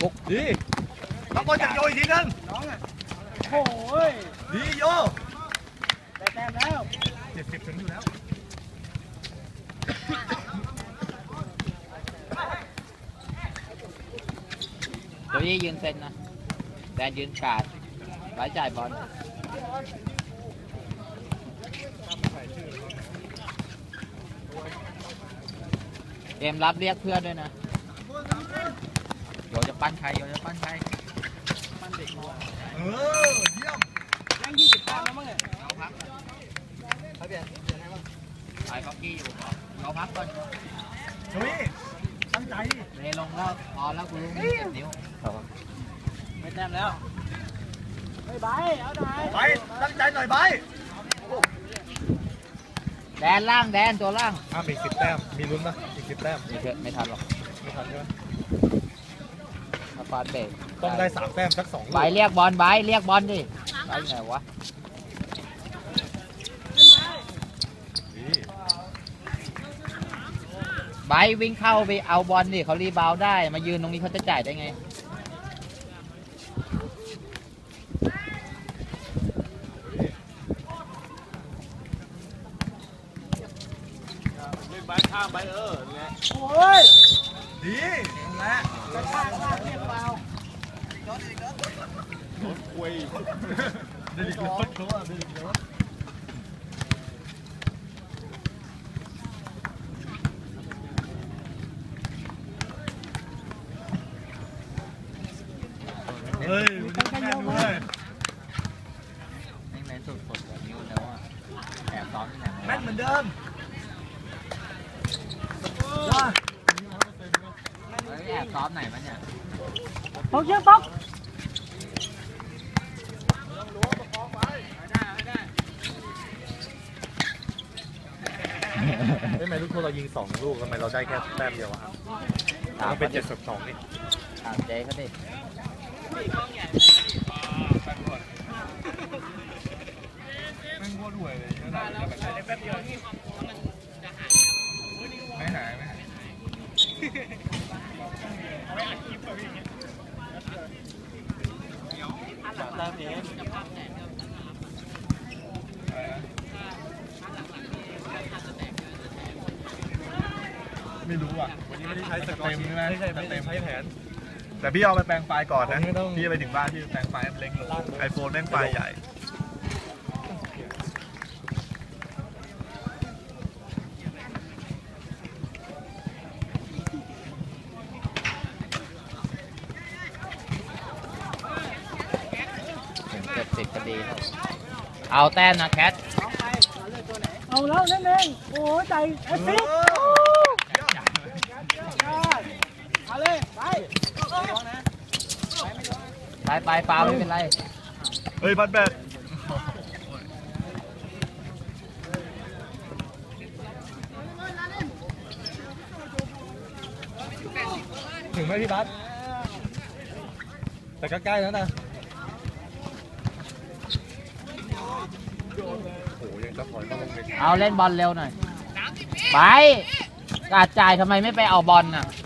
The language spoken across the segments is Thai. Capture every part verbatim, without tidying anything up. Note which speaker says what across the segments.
Speaker 1: ปุ๊กดีน้องบอลจะโยอีกทีนึงน้องอ่ะโอ้ยดีโยได้แต้มแล้วเจ็ดสิบถึงอยู่แล้ว
Speaker 2: ตัวนี้ยืนเซนนะแดนยืนกาดไว้จ่ายบอลเกมรับเรียกเพื่อนด้วยนะโยจะปั้นใครโยจะปั้นใครปั้นเด็ก
Speaker 1: เออเยี่ยมยังยี่สิบแต้มแล้วมั้งเนี่ยเอาพักเขาเปลี่ยนเปลี่ยนให้มั้ง
Speaker 2: ไอ้พ็อกกี้อยู่เขาพักก่อน
Speaker 1: เฮ้ยตั้งใจ
Speaker 2: เลยลงแล้วพอแล้วกูรู้มีเจ็ดนิ้วไม่แต้มแล้ว
Speaker 1: ไปไปเอาหน่อยไปตั้งใจหน่อยไป
Speaker 2: แดนล่างแดนตัวล่าง
Speaker 1: อ่ะอีกสิบแต้มมีลุ้นนะอีกสิบแต้ม
Speaker 2: ไม่เถอะไม่ทันหรอก
Speaker 1: ไม่ทันใช่ไหม
Speaker 2: ถ้าฟาดเบรก
Speaker 1: ต้องได้สามแต้มสักสอง
Speaker 2: ใบเรียกบอลใบเรียกบอลดิใบไงวะใบวิ่งเข้าไปเอาบอลดิเขารีบาวได้มายืนตรงนี้เขาจะจ่ายได้ไง
Speaker 1: ใบข้างใบเออเนี่ยโอ้ยดีนะกระชากข้างเรียกเบาโดนอีกแล้วโดนคุยเด็กรถเขาอ่ะเด็กรถเฮ้ยมันแม่นเลย
Speaker 2: ไม่แม่นสุดสุดแบบนี้แล้วอ่ะแอบซ้อมที่ไหน
Speaker 1: แม่นเหมือนเดิม
Speaker 2: แอบซ้อมไหนมั้เนี่ย
Speaker 1: ป๊อกเยอะป๊อกทำไมลูกโทษเรายิงสองลูกทำไมเราได้แค่แต้มเดียวอะครับมันเป็นเจ็ดสิบสองนี่
Speaker 2: ถามเจ๊เขาดิ
Speaker 1: แม่งโคตรห่วยเลยแป๊บเดียวไม่หายไม่หายตามเองไม่รู้อ่ะวันนี้ไม่ได้ใช้สเต็มใช่ไหมไม่ใช่ไม่ได้ใช้แผนแต่พี่เอาไปแปลงไฟล์ก่อนนะพี่ไปถึงบ้านพี่แปลงไฟล์เล็กลงไอโฟนแม่งไฟล์ใหญ่
Speaker 2: เจ็ดสิบก็ดีครับเอาแต้มนะแคท
Speaker 3: เอาแล้วนั่นเองโอ้ใจเอฟซีเอาเลยไป
Speaker 2: ไปไปฟาวไม่เป็นไร
Speaker 1: เฮ้ยบัตแบตถึงไหมพี่บัตแต่ก็ใกล้แล้วนะ
Speaker 2: เอาเล่นบอลเร็วหน่อยไปกาดจ่ายทำไมไม่ไปเอาบอลน่ะ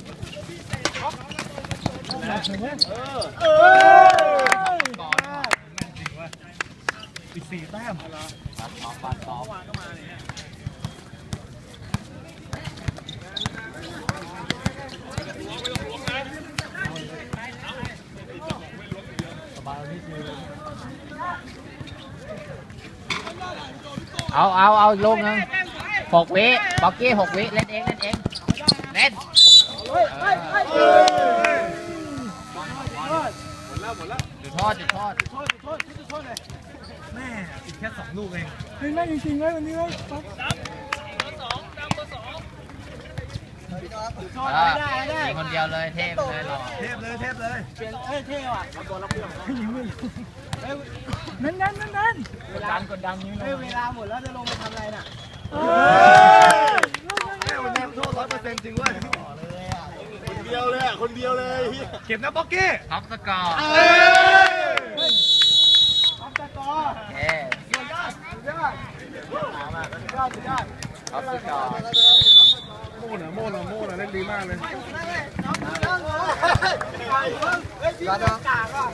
Speaker 1: อีกสี่แต้ม
Speaker 2: เอาเอาเอาอีกลูกนึงหกวิบ็อกกี้หกวิเล่นเองเล่นเองเล่นหมดแล้วหมดแล้วจุดโทษจุดโทษจุดโทษจุดโทษจุดโทษเลย
Speaker 1: แม่อีกแค่สองลูกเอง
Speaker 3: จริงไหมจริงไหมวันนี้ไหมป๊อก
Speaker 2: ได้ได้คนเดียวเลยเทพเลยหรอ
Speaker 1: เทพเลยเทพเลย
Speaker 3: เปลี่ยนเอ้ยเท่ว่ะเอาตัวรับเพื่อนยิงไม่นั่นนั่นนั่นนั่น
Speaker 2: กดดันกดดันนี้
Speaker 3: เลยเวลาหมดแล้วจะลงไปทำอะไรน่ะ
Speaker 1: แม่วันนี้โทษร้อยเปอร์เซ็นต์จริงเว้ยคนเดียวเลยอ่ะคนเดียวเลยเก็บนะบ็อกกี้
Speaker 2: ท็อปสกอร์
Speaker 3: ท็อปสกอร์
Speaker 2: เฮ้
Speaker 3: สุดยอดสุดยอดสุดยอดสุดยอด
Speaker 2: ท็อปสกอร์
Speaker 1: โม่นะโม่นะโม่นะเล่นดีมากเลยรัดเนาะ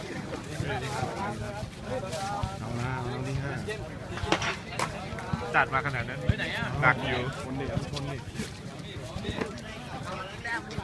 Speaker 4: เอาละเอาที่ห้าจัดมาขนาดนั้นหนักอยู่คนเดียวคนนี้